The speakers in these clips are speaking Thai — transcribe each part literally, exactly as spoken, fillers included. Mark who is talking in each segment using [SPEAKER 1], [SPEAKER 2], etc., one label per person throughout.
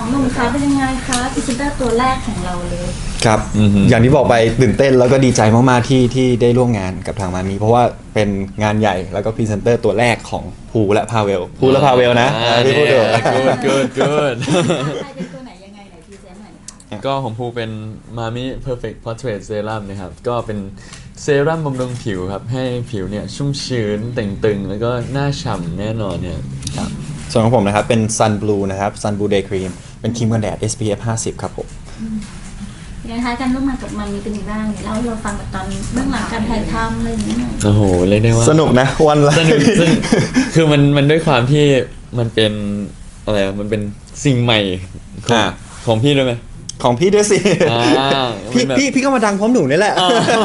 [SPEAKER 1] องหนุ่มคะเป็นยังไงคะพรีเซนเตอร์ตัวแรกของเราเลย
[SPEAKER 2] ครับอย่างที่บอกไปตื่นเต้นแล้วก็ดีใจมากๆที่ที่ได้ร่วมงานกับทางมามีเพราะว่าเป็นงานใหญ่แล้วก็พรีเซนเตอร์ตัวแรกของภูและพาเวลภูและพาเวลนะที่พูดถึง
[SPEAKER 3] good good good
[SPEAKER 1] ใครเป็นตัวไหนยังไงไหนพรีเซนต์หน่อยนะคะ
[SPEAKER 3] ก็ของภูเป็น Mami Perfect Portrait Serum นะครับก็เป็นเซรั่มบำรุงผิวครับให้ผิวเนี่ยชุ่มชื้นเต่งตึงแล้วก็หน้าฉ่ำแน่นอนเนี่ย
[SPEAKER 2] ครับส่วนของผมนะครับเป็น Sun Blue นะครับ Sun Blue Day Cream เป็นครีมกันแดด เอส พี เอฟ ห้าสิบครับผม
[SPEAKER 1] ยังไงคะการร่วมงานกับมันมีเป็นยังไงบ้างเนี่ยเล่าให้เราฟังแบบตอนเบื้องหลังการถ่ายทำอะไรอย่างเงี้ยหน่อย
[SPEAKER 3] โอ้โหเรียกได้ว่า
[SPEAKER 2] สนุกนะวันละ
[SPEAKER 3] สนุกซึ่งคือมันมันด้วยความที่มันเป็นอะไรอะมันเป็นสิ่งใหม่ของของพี่ด้วยไหม
[SPEAKER 2] ของพี่ด้วยสิพี่
[SPEAKER 3] แบบ
[SPEAKER 2] พี่พี่ก็มาดังพร้อมหนูนี่แหละ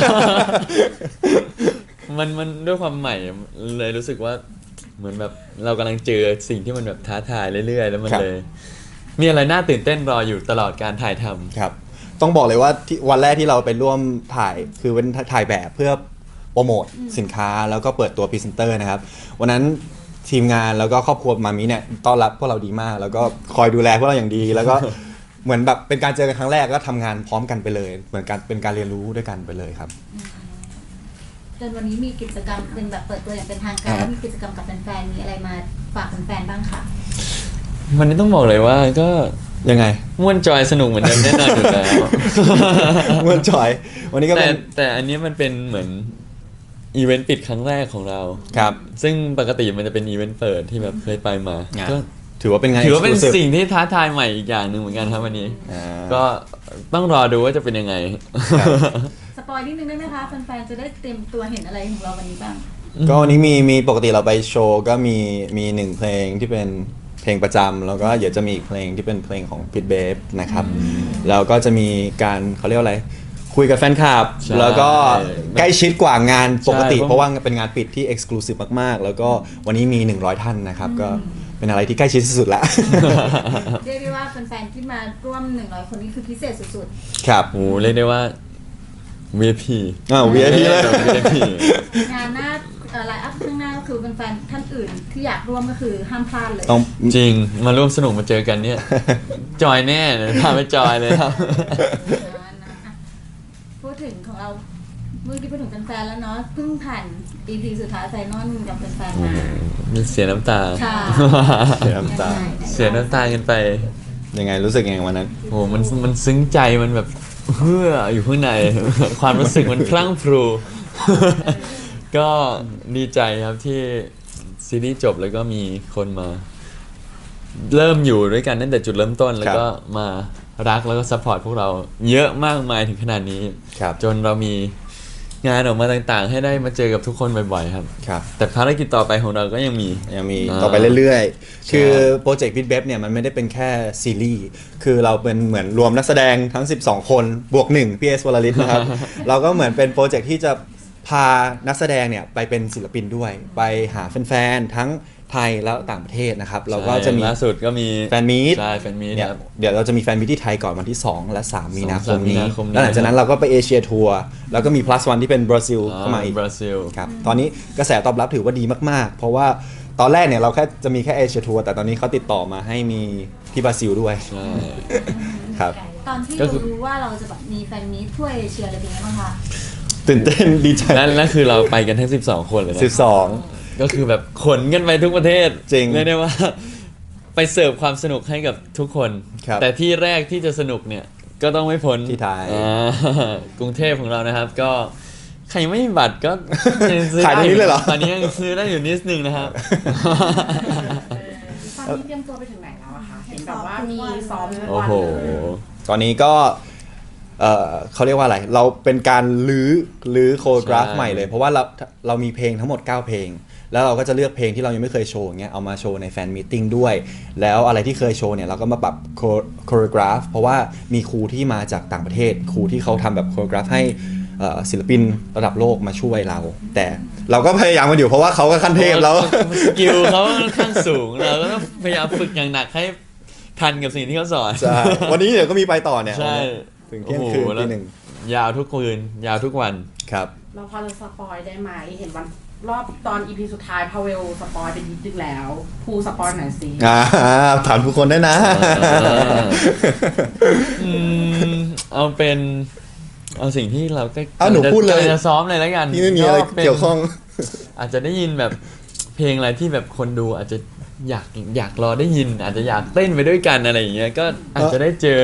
[SPEAKER 3] มันมันด้วยความใหม่เลยรู้สึกว่าเหมือนแบบเรากำลังเจอสิ่งที่มันแบบท้าทายเรื่อยๆแล้วมันเลยมีอะไรน่าตื่นเต้นรออยู่ตลอดการถ่ายทำ
[SPEAKER 2] ครับต้องบอกเลยว่าที่วันแรกที่เราไปร่วมถ่ายคือเป็นถ่ายแบบเพื่อโปรโมทสินค้าแล้วก็เปิดตัวพรีเซนเตอร์นะครับวันนั้นทีมงานแล้วก็ครอบครัวมามิเนี่ยต้อนรับพวกเราดีมากแล้วก็คอยดูแลพวกเราอย่างดีแล้วก็ เหมือนแบบเป็นการเจอกันครั้งแรกก็ทำงานพร้อมกันไปเลยเหมือนการเป็นการเรียนรู้ด้วยกันไปเลยครับ
[SPEAKER 1] จนวันนี้มีกิจกรรมเป็นแบบเปิดตัวอย่างเป็นทางการแล้วมีกิจกรรมกับแฟนๆมีอะไรมาฝากแฟนๆบ้างคะ
[SPEAKER 3] วันนี้ต้องบอกเลยว่าก็
[SPEAKER 2] ยังไง
[SPEAKER 3] ม่วนจอยสนุกเหมือนเดิมแน่นอนอยู่แล้ว
[SPEAKER 2] ม่วนจอยวันนี้ก็
[SPEAKER 3] เป็นแต่อันนี้มันเป็นเหมือนอีเวนต์ปิดครั้งแรกของเรา
[SPEAKER 2] ครับ
[SPEAKER 3] ซึ่งปกติมันจะเป็นอีเวนต์เปิดที่แบบเคยไปมาก็
[SPEAKER 2] ถือว่าเป็นไง
[SPEAKER 3] ถือว่าเป็นสิ่งที่ท้าทายใหม่อีกอย่างหนึ่งเหมือนกันครับวันนี้ก็ต้องรอดูว่าจะเป็นยังไง
[SPEAKER 1] สปอยนิดนึงได้ไหมคะแฟนๆจะได้เตรียมตัวเห็นอะไรของเราวันนี้บ้าง
[SPEAKER 2] ก็วันนี้มีมีปกติเราไปโชว์ก็มีมีหนึ่งเพลงที่เป็นเพลงประจำแล้วก็เดี๋ยวจะมีเพลงที่เป็นเพลงของพิทเบฟนะครับแล้วก็จะมีการเขาเรียกว่าอะไรคุยกับแฟนคลับแล้วก็ใกล้ชิดกว่างานปกติเพราะว่าเป็นงานปิดที่เอ็กซ์คลูซีฟมากๆแล้วก็วันนี้มีหนึ่งร้อยท่านนะครับก็เป็นอะไรที่ใกล้ชิดที่สุดแล้ว
[SPEAKER 1] เรียกได้ว่าแฟนๆที่มาร่วมหนึ่งร้อยคนนี้คือพิเศษสุด
[SPEAKER 2] ๆครับ
[SPEAKER 3] โอ้เรียกได้ว่า วี ไอ พี
[SPEAKER 2] อ้าว วี ไอ พี เลย
[SPEAKER 3] วี ไอ พี
[SPEAKER 1] งานหน้าไลน์อัพข้างหน้าก็คือแฟนๆท่านอื่นที่อยากร่วมก็คือห้ามพลาดเลย
[SPEAKER 3] จริงมาร่วมสนุกมาเจอกันเนี่ยจอยแน่เลยพาไปจอยเลยครับ
[SPEAKER 1] พูดถึงของเราเมื่อกี้พูดถึงแฟนๆแล้วเนาะเพิ่งผ่าน อี พี สุดท้ายไฟนอลกับแฟนๆมา
[SPEAKER 3] เสียน้ำตา
[SPEAKER 2] เสียน้ำตา
[SPEAKER 3] เสียน้ำตากันไป
[SPEAKER 2] ยังไงรู้สึกยังไงวันนั้น
[SPEAKER 3] โอ้มันมันซึ้งใจมันแบบเฮืออยู่ข้างในความรู้สึกมันพลั่งพรูก็ดีใจครับที่ซีรีส์จบแล้วก็มีคนมาเริ่มอยู่ด้วยกันตั้งแต่จุดเริ่มต้นแล้วก็มารักแล้วก็ซัพพอร์ตพวกเราเยอะมากมายถึงขนาดนี้จนเรามีงานออกมาต่างๆให้ได้มาเจอกับทุกคนบ่อยๆครับ
[SPEAKER 2] ครับ
[SPEAKER 3] แต่ภารกิจต่อไปของเราก็ยังมี
[SPEAKER 2] ยังมีต่อไปเรื่อยๆคือโปรเจกต์พิทเบฟเนี่ยมันไม่ได้เป็นแค่ซีรีส์คือเราเป็นเหมือนรวมนักแสดงทั้งสิบสองคนบวกหนึ่งพี่เอสวลลิตนะครับ เราก็เหมือนเป็นโปรเจกต์ที่จะพานักแสดงเนี่ยไปเป็นศิลปินด้วยไปหาแฟนๆทั้งไทยแล้วต่างประเทศนะครับเราก็จะมี
[SPEAKER 3] ล่าสุดก็มี
[SPEAKER 2] แฟนมีต
[SPEAKER 3] ใช่แฟนมีต
[SPEAKER 2] เนี่ยเดี๋ยวเราจะมีแฟนมีตที่ไทยก่อนวันที่สองและสามมีนาคมนี้แล้วหลังจากนั้นเราก็ไปเอเชียทัวร์แล้วก็มี plus one ที่เป็นบราซิลเข้ามาอีก
[SPEAKER 3] บราซิล
[SPEAKER 2] ครับตอนนี้กระแสตอบรับถือว่าดีมากๆเพราะว่าตอนแรกเนี่ยเราแค่จะมีแค่เอเชียทัวร์แต่ตอนนี้เขาติดต่อมาให้มีที่บราซิลด้วย
[SPEAKER 3] ใช่
[SPEAKER 2] ครับ
[SPEAKER 1] ตอนที่เรารู้ว่าเราจะแบบมีแฟนมีตทั่วเอเชียอะไรเป็นยังไงบ้างคะ
[SPEAKER 2] ตื่นเต้นดีใจ
[SPEAKER 3] และนั่นคือเราไปกันทั้งสิบสองคนเลยนะ
[SPEAKER 2] สิบสอง
[SPEAKER 3] ก็คือแบบขนกันไปทุกประเทศ
[SPEAKER 2] จริง
[SPEAKER 3] เรียกได้ว่าไปเสิร์ฟความสนุกให้กับทุกคนแต่ที่แรกที่จะสนุกเนี่ยก็ต้องไม่พ้น
[SPEAKER 2] ที่ไทย
[SPEAKER 3] กรุงเทพของเรานะครับก็ใครไม่มีบัตรก็
[SPEAKER 2] ขายตรงนี้เลยเหรอ
[SPEAKER 3] ตอนนี้ยังซื้อได้อยู่นิดนึงนะครับ
[SPEAKER 4] ตอนนี้เตรียมตัวไปถึงไหนแล้วอะคะเห็นแบบว่ามีซ้อมทุก
[SPEAKER 3] วัน
[SPEAKER 4] เลย
[SPEAKER 2] ตอนนี้ก็เอ่อเขาเรียกว่าอะไรเราเป็นการลื้อลื้อโคโรกราฟใหม่เลยเพราะว่าเราเรามีเพลงทั้งหมดเก้าเพลงแล้วเราก็จะเลือกเพลงที่เรายังไม่เคยโชว์เงี้ยเอามาโชว์ในแฟนมีตติ้งด้วยแล้วอะไรที่เคยโชว์เนี่ยเราก็มาปรับโคโรกราฟเพราะว่ามีครูที่มาจากต่างประเทศครูที่เขาทำแบบโคโรกราฟให้ศิลปินระดับโลกมาช่วยเราแต่เราก็พยายามมาอยู่เพราะว่าเขาก็ขั้นเทพแล้ว
[SPEAKER 3] สกิลเขาค่อนข้างสูงเราก็ต้องพยายามฝึกอย่างหนักให้ทันกับสิ่งที่เขาสอน
[SPEAKER 2] ใช่วันนี้เดี๋ยวก็มีไปต่อเนี่ย
[SPEAKER 3] ใช่
[SPEAKER 2] ถึงเที่ยงคืนตีหนึ่ง
[SPEAKER 3] ยาวทุกคืนยาวทุกวัน
[SPEAKER 2] ครับ
[SPEAKER 4] เราพอจะสปอยได้ไหมเห็นวันรอบตอน อี พี สุดท้ายพาเวลสปอยไปนิดนึงแล้วภูสปอยหน่อยสิ
[SPEAKER 2] อ่าถามทุกคนได้นะ
[SPEAKER 3] อืมเอาเป็นเอาสิ่งที่เราก็
[SPEAKER 2] เอาหนูพูดเลย
[SPEAKER 3] กำงจะซ้อมเลยแล้วกัน
[SPEAKER 2] พี่ไม่มีอะไร
[SPEAKER 3] ป็น
[SPEAKER 2] เกี่ยวข้อง
[SPEAKER 3] อาจจะได้ยินแบบเพลงอะไรที่แบบคนดูอาจจะอยากอยากรอได้ยิน อาจจะอยากเต้นไปด้วยกันอะไรอย่างเงี้ยก็อาจจะได้เจอ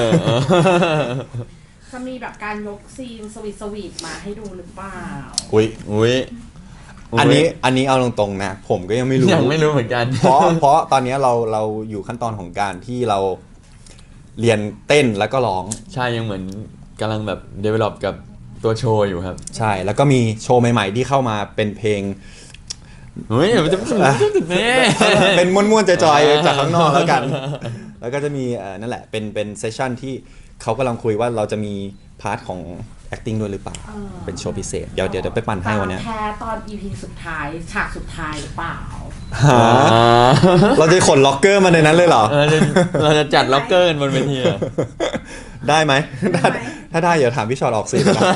[SPEAKER 4] จะมีแบบการยกซีนสวีทสวีทมาให้ดูหรือเปล่า
[SPEAKER 2] อุ้ย
[SPEAKER 3] อุ้ย
[SPEAKER 2] อันนี้อันนี้เอาตรงๆนะ ผมก็ยังไม่รู้
[SPEAKER 3] ยังไม่รู้เหมือนกัน
[SPEAKER 2] เพราะเพราะตอนนี้เราเราอยู่ขั้นตอนของการที่เราเรียนเต้นแล้วก็ร้อง
[SPEAKER 3] ใช่ยังเหมือนกำลังแบบ develop กับตัวโชว์อยู่ครับ
[SPEAKER 2] ใช่ แล้วก็มีโชว์ใหม่ๆที่เข้ามาเป็นเพลง
[SPEAKER 3] เฮ้ยมันจะมันจะจุดนี้
[SPEAKER 2] เป็นม้วนๆจอยๆจากข้างนอกแล้วกัน แล้วก็จะมีเอ่อนั่นแหละเป็นเป็นเซสชั่นที่เขากำลังคุยว่าเราจะมีพาร์ทของ acting ด้วยหรือเปล่า
[SPEAKER 4] เออ
[SPEAKER 2] เป็นโชว์พิเศษ เดี๋ยวเดี๋ยวเดี๋ยวไปปั่นให้วันเนี้ย
[SPEAKER 4] แพ้ตอน อี พี สุดท้ายฉากสุดท้ายหรือเปล่า
[SPEAKER 2] หาเราจะขนล็อกเกอร์มาในนั้นเลยเหรอ
[SPEAKER 3] เออเราจะเราจะจัดล็อกเกอร์กันบนเวทีเหรอ
[SPEAKER 2] ได้ไหมถ้าถ้าได้เดี๋ยวถามพี่ชอตออกซีนนะ
[SPEAKER 4] อ่ะอ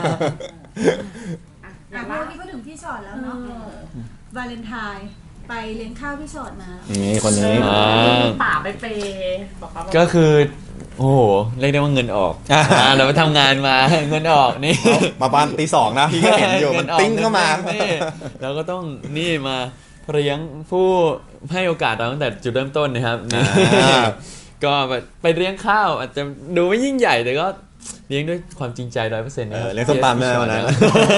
[SPEAKER 1] อ่ะ
[SPEAKER 4] ย่าง
[SPEAKER 1] เมื่
[SPEAKER 4] ล่า
[SPEAKER 1] อกี้พูดถึงพี่ชอตแล้วเนาะวาเลนไทน์ไปเลี้ยงข้าวพี่ชอตมา
[SPEAKER 2] นี่คนนี้
[SPEAKER 3] อ่า
[SPEAKER 4] ป่าไปเปย์บอกเขาว่า
[SPEAKER 3] ก็คือ โอ้โหเรียกได้ว่าเงินออก
[SPEAKER 2] อ่า
[SPEAKER 3] อ่าเราไปทำงานมา เงินออกนี่
[SPEAKER 2] มาบ้านตีสองนะพี่ก็เห็นอยู่มันติ้งเข้ามา
[SPEAKER 3] นี่เราก็ต้องนี่มาเลี้ยงผู้ให้โอกาสเราตั้งแต่จุดเริ่มต้นนะครับนี่
[SPEAKER 2] อ่า
[SPEAKER 3] ก็ไปเลี้ยงข้าวอาจจะดูไม่ยิ่งใหญ่แต่ก็เลี้ยงด้วยความจริงใจร้อยเปอร์เซ็นต์
[SPEAKER 2] เอ
[SPEAKER 3] นะค
[SPEAKER 2] อ
[SPEAKER 3] รับ
[SPEAKER 2] เลี้ยงส้มตำได้วันนั้น
[SPEAKER 4] อ่ะ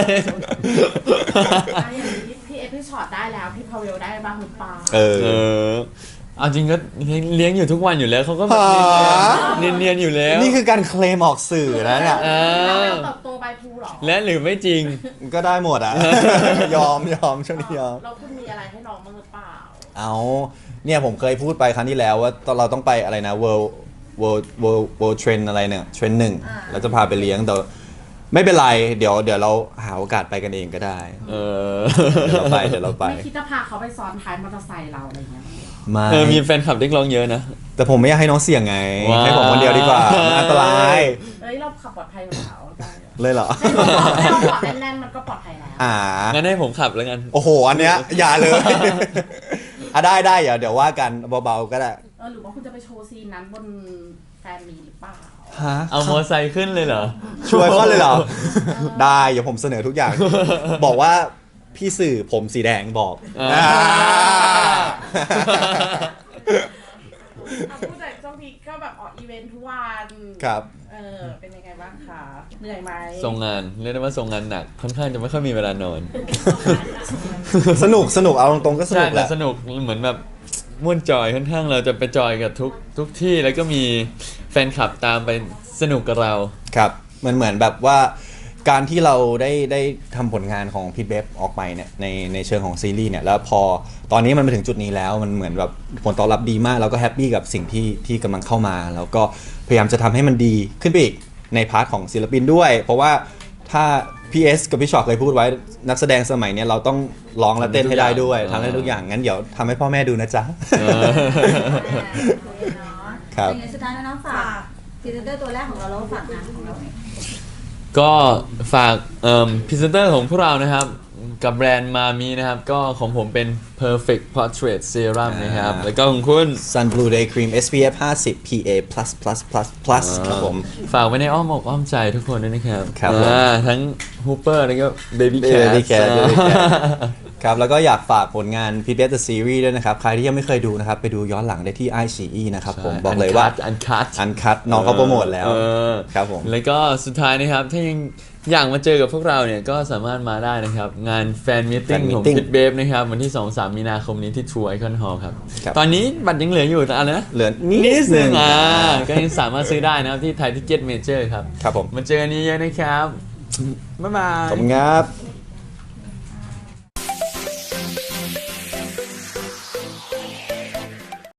[SPEAKER 4] อย่างนี้พี่เอฟพี่ช็อตได้แล้วพี่พาเวลได้บ้างหรือเปล่า
[SPEAKER 2] เออ
[SPEAKER 3] เออเอาจริงก็เลี้ยงอยู่ทุกวันอยู่แล้วเขาก็แบบ
[SPEAKER 2] หา
[SPEAKER 3] เนียนๆอยู่แล้ว
[SPEAKER 2] นี่คือการเคลมออกสื่อนะเนี่ย
[SPEAKER 3] เอ
[SPEAKER 4] พาเว
[SPEAKER 3] อ
[SPEAKER 4] ลเติบโตไปภูเหรอ
[SPEAKER 3] และหรือไม่จริง
[SPEAKER 2] ก็ได้หมดอ่ะ ยอมยอมช่วงนี้ยอม
[SPEAKER 4] เราคุณมีอะไรให้น้องบ้างหรือเปล่า
[SPEAKER 2] เอาเนี่ยผมเคยพูดไปครั้งที่แล้วว่าตอนเราต้องไปอะไรนะ world world world world trend อะไรเนี่ย trend หนึ่ง
[SPEAKER 1] อ่า
[SPEAKER 2] แล้วจะพาไปเลี้ยงแต่ไม่เป็นไรเดี๋ยวเดี๋ยวเราหาโอกาสไปกันเองก็ได้
[SPEAKER 3] เออ
[SPEAKER 2] เดี๋ยวเราไปเดี๋ยวเราไป
[SPEAKER 4] ไม่คิดจะพาเขาไปซ้อนท้ายมอเตอร์ไซค์เราอะไรอย่างเงี้ย
[SPEAKER 2] ไม่
[SPEAKER 3] เออมีแฟนคลับเรียกร้องเยอะนะ
[SPEAKER 2] แต่ผมไม่อยากให้น้องเสี่ยงไง
[SPEAKER 3] ว้าว
[SPEAKER 2] ให้ผมคนเดียวดีกว่ามันอันตราย
[SPEAKER 4] เอ้ยเราขับปลอดภัยอยู่แล้วได้
[SPEAKER 2] เลยเหรอ
[SPEAKER 4] ให้เราปลอดแน่นๆมันก็ปลอดภัยแล้ว
[SPEAKER 2] อ่า
[SPEAKER 3] งั้นให้ผมขับแล้วกัน
[SPEAKER 2] โอ้โห อันเนี้ยอย่าเลย อ่ะได้ได้เดี๋ยวเดี๋ยวว่ากันเบาๆก็ได้
[SPEAKER 4] เออหรือว่าคุณจะไปโชว์ซีนนั้นบนแฟนมีหรือเปล่า
[SPEAKER 2] ฮะ
[SPEAKER 3] เอามอไซค์ขึ้นเลยเหรอ
[SPEAKER 2] ช่วยก็เลยเหรอ ได้เดี๋ยวผมเสนอทุกอย่าง บอกว่าพี่สื่อผมสีแดงบอก
[SPEAKER 3] อ่า
[SPEAKER 2] อ่า
[SPEAKER 4] เอาพูดแต่ช่วงนี้ก็แบบออกอีเวนท์ทุกวัน
[SPEAKER 2] ครับ
[SPEAKER 4] เออเป็นยังไงบ้างคะเหนื่อยไหม
[SPEAKER 3] ส่งงานเรียกได้ว่าส่งงานหนักค่อนข้างจะไม่ค่อยมีเวลานอน
[SPEAKER 2] สนุกสนุกเอาตรงๆก็ส
[SPEAKER 3] ใช่
[SPEAKER 2] นุกแห
[SPEAKER 3] แต่
[SPEAKER 2] ละ
[SPEAKER 3] สนุกเหมือนแบบม่วนจอยค่อนข้างเราจะไปจอยกับทุกทุกที่แล้วก็มีแฟนคลับตามไปสนุกกับเรา
[SPEAKER 2] ครับมันเหมือนแบบว่าการที่เราได้ได้ทำผลงานของพีทเบฟออกไปเนี่ยในในเชิงของซีรีส์เนี่ยแล้วพอตอนนี้มันมาถึงจุดนี้แล้วมันเหมือนแบบผลตอบรับดีมากเราก็แฮปปี้กับสิ่งที่ที่กำลังเข้ามา แล้วก็พยายามจะทำให้มันดีขึ้นไปอีกในพาร์ทของศิลปินด้วย เพราะว่าถ้า พี เอส กับพี่ชอตเคยพูดไว้นักแสดงสมัยเนี้ยเราต้องร้องและเต้นให้ได้ด้วย
[SPEAKER 3] ทำให้
[SPEAKER 2] ทำ
[SPEAKER 3] ทุกอย่าง
[SPEAKER 2] ให้ทุกอย่างงั้นเดี๋ยวทำให้พ่อแม่ดูนะจ๊ะ
[SPEAKER 3] เออ
[SPEAKER 2] ครับ
[SPEAKER 1] เป็นไงสุดท้ายแล้วน้องฝากพรีเซนเตอร์ตัวแรกของเราแล้วก็ฝากงานของเราหน่อย
[SPEAKER 3] ก็ฝากเอ่อพรีเซนเตอร์ของพวกเรานะครับ กับแบรนด์มามีนะครับ ก็ของผมเป็น perfect portrait serum นะครับ แล้วก็ของคุณ
[SPEAKER 2] Sun Blue Day Cream เอส พี เอฟ ห้าสิบ พี เอ plus plus plus plus ครับผม
[SPEAKER 3] ฝากไว้ในอ้อมอกอ้อมใจทุกคนด้วยนะครับ
[SPEAKER 2] ครับผม
[SPEAKER 3] อ่าทั้งฮูเปอร์แล้วก็ baby cat
[SPEAKER 2] Baby Cat Baby Cat ครับ แล้วก็อยากฝากผลงาน พี บี เอส The Series ด้วยนะครับ ใครที่ยังไม่เคยดูนะครับ ไปดูย้อนหลังได้ที่ ไอ ซี อี นะครับผมบอกเลยว่า
[SPEAKER 3] อันคัท
[SPEAKER 2] อันคัดน้องเขาโปรโมทแล้ว
[SPEAKER 3] เออ
[SPEAKER 2] ครับผม
[SPEAKER 3] แล้วก็สุดท้ายนะครับ ถ้ายังอยากมาเจอกับพวกเราเนี่ยก็สามารถมาได้นะครับ งานแฟนมิทติ้ง
[SPEAKER 2] Fan
[SPEAKER 3] ของ
[SPEAKER 2] Meeting
[SPEAKER 3] พิทเบฟนะครับ วันที่ สองถึงสาม มีนาคมนี้ที่ True Icon Hall ครับ
[SPEAKER 2] ครับ
[SPEAKER 3] ตอนนี้บัตรยังเหลืออยู่แต่อะไรนะ
[SPEAKER 2] เหลือนิ
[SPEAKER 3] นิด
[SPEAKER 2] ด
[SPEAKER 3] นึ
[SPEAKER 2] นึ
[SPEAKER 3] ง
[SPEAKER 2] ง
[SPEAKER 3] อ่าก็ยังสามารถซื้อได้นะครับที่ไทยทิเก็ตเมเจอร์ครับ
[SPEAKER 2] ครับผม
[SPEAKER 3] มาเจอกันเยอะๆนะครับ บ๊ายบาย
[SPEAKER 2] ขอบคุณครับ